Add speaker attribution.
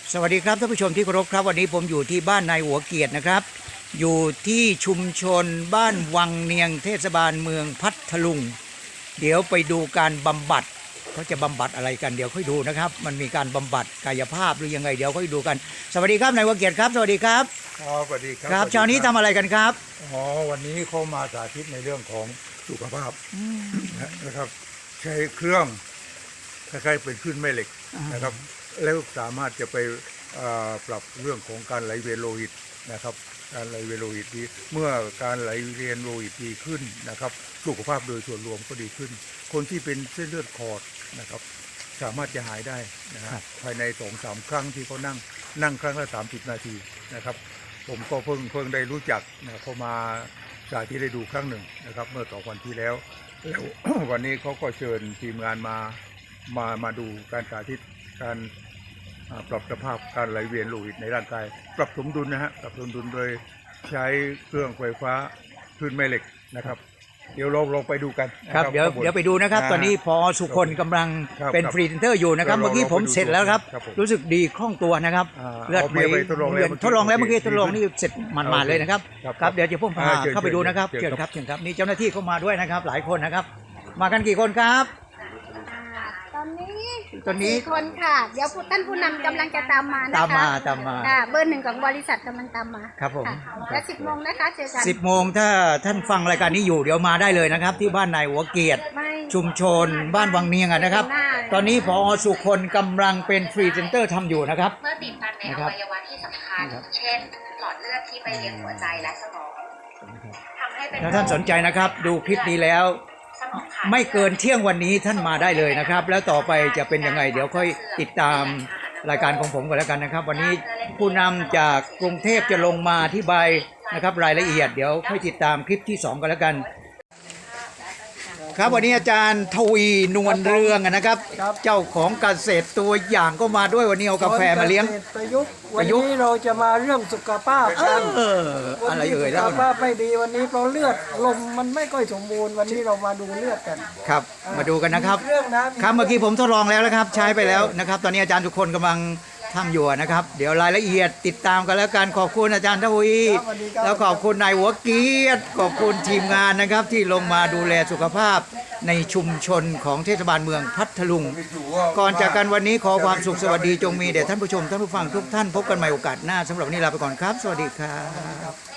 Speaker 1: สวัสดีครับท่านผู้ชมที่เคารพครับวันนี้ผมอยู่ที่บ้านนายหัวเกียรตินะครับอยู่ที่ชุมชนบ้านวังเนียงเทศบาลเมืองพัทลุงเดี๋ยวไปดูการบำบัดเขาจะบำบัดอะไรกันเดี๋ยวค่อยดูนะครับมันมีการบำบัดกายภาพหรือยังไงเดี๋ยวค่อยดูกันสวัสดีครับนายหัวเกียรติครับสวัสดีครับ
Speaker 2: สวัสดีครับ
Speaker 1: ครับเช้านี้ทำอะไรกันครับ
Speaker 2: วันนี้เขามาสาธิตในเรื่องของสุขภาพนะครับใช้เครื่องคล้ายๆเป็นคลื่นแม่เหล็กนะครับแล้วสามารถจะไปปรับเรื่องของการไหลเวียนโลหิตนะครับการไหลเวียนโลหิตดีเมื่อการไหลเวียนโลหิตดีขึ้นนะครับสุขภาพโดยส่วนรวมก็ดีขึ้นคนที่เป็นเส้นเลือดขอดนะครับสามารถจะหายได้นะครับภายใน 2-3 ครั้งที่เขานั่งครั้งละ30 นาทีนะครับผมก็เพิ่งได้รู้จักนะเขามาสาธิตได้ดูครั้งหนึ่งนะครับเมื่อ2 วันที่แล้ว วันนี้เขาก็เชิญทีมงานมาดูการสาธิตการปรับสภาพการไหลเวียนโลหิตในร่างกายปรับสมดุลนะฮะปรับสมดุลโดยใช้เครื่องไฟฟ้าคลื่นแม่เหล็กนะครับเดี๋ยวเราลองไปดูกัน
Speaker 1: ครับเดี๋ยวไปดูนะครับตอนนี้พอสุคนกำลังเป็นฟรีเซนเตอร์อยู่นะครับเมื่อกี้ผมเสร็จแล้วครับรู้สึกดีคล่องตัวนะครับ
Speaker 2: เลือดไม่
Speaker 1: ทดลองแล้วเมื่อกี้ทดลองนี่เสร็จมันเลยนะครับครับเดี๋ยวจะพุ่งพาเข้าไปดูนะครับเชิญครับนี่เจ้าหน้าที่เข้ามาด้วยนะครับหลายคนนะครับมากันกี่คนครับ
Speaker 3: ตอนนี้4 คนค่ะเดี๋ยวท่านผู้นำกำลังจะตามมานะคะ
Speaker 1: ตามมา
Speaker 3: เบอร์ 1ของบริษัทกำลังตามมา
Speaker 1: ครับผม
Speaker 3: และ10 โมงนะคะเจอกัน
Speaker 1: 10 โมงถ้าท่านฟังรายการนี้อยู่เดี๋ยวมาได้เลยนะครับที่บ้านนายหัวเกียรติชุมชนบ้านวังเนียงนะครับตอนนี้พอสุคนกำลังเป็นฟรีเซนเตอร์ทำอยู่นะครับ
Speaker 4: เมื่อติดตันในอวัยวะที่สำคัญเช่นหลอดเลือดที่ไปเลี้ยงหัวใจและสมองทำให้เป็น
Speaker 1: ถ้าท่านสนใจนะครับดูคลิปนี้แล้วไม่เกินเที่ยงวันนี้ท่านมาได้เลยนะครับแล้วต่อไปจะเป็นยังไงเดี๋ยวค่อยติดตามรายการของผมกันแล้วกันนะครับวันนี้ผู้นำจากกรุงเทพจะลงมาอธิบายนะครับรายละเอียดเดี๋ยวค่อยติดตามคลิปที่2กันแล้วกันครับวันนี้อาจารย์ทวีนวลเรืองนะครับเจ้าของเกษตรตัวอย่างก็มาด้วยวันนี้เอากาแฟมาเลี้ยง
Speaker 5: ประยุกต์วันนี้เราจะมาเรื่องสุขภาพกัน
Speaker 1: อะไรเอ่ย
Speaker 5: สุขภาพไม่ดีวันนี้เพราะเลือดลมมันไม่ค่อยสมบูรณ์วันนี้เรามาดูเลือดกัน
Speaker 1: ครับมาดูกันนะครับครับเมื่อกี้ผมทดลองแล้วนะครับใช้ไปแล้วนะครับตอนนี้อาจารย์ทุกคนกำลังทำอยู่นะครับเดี๋ยวรายละเอียดติดตามกันแล้วกันขอบคุณอาจารย์ทวีแล้วขอบคุณนายหัวเกียรติขอบคุณทีมงานนะครับที่ลงมาดูแลสุขภาพในชุมชนของเทศบาลเมืองพัทลุงก่อนจากกันวันนี้ขอความสุขสวัสดีจงมีแด่ท่านผู้ชมท่านผู้ฟังทุกท่านพบกันใหม่โอกาสหน้าสำหรับวันนี้ลาไปก่อนครับสวัสดีครับ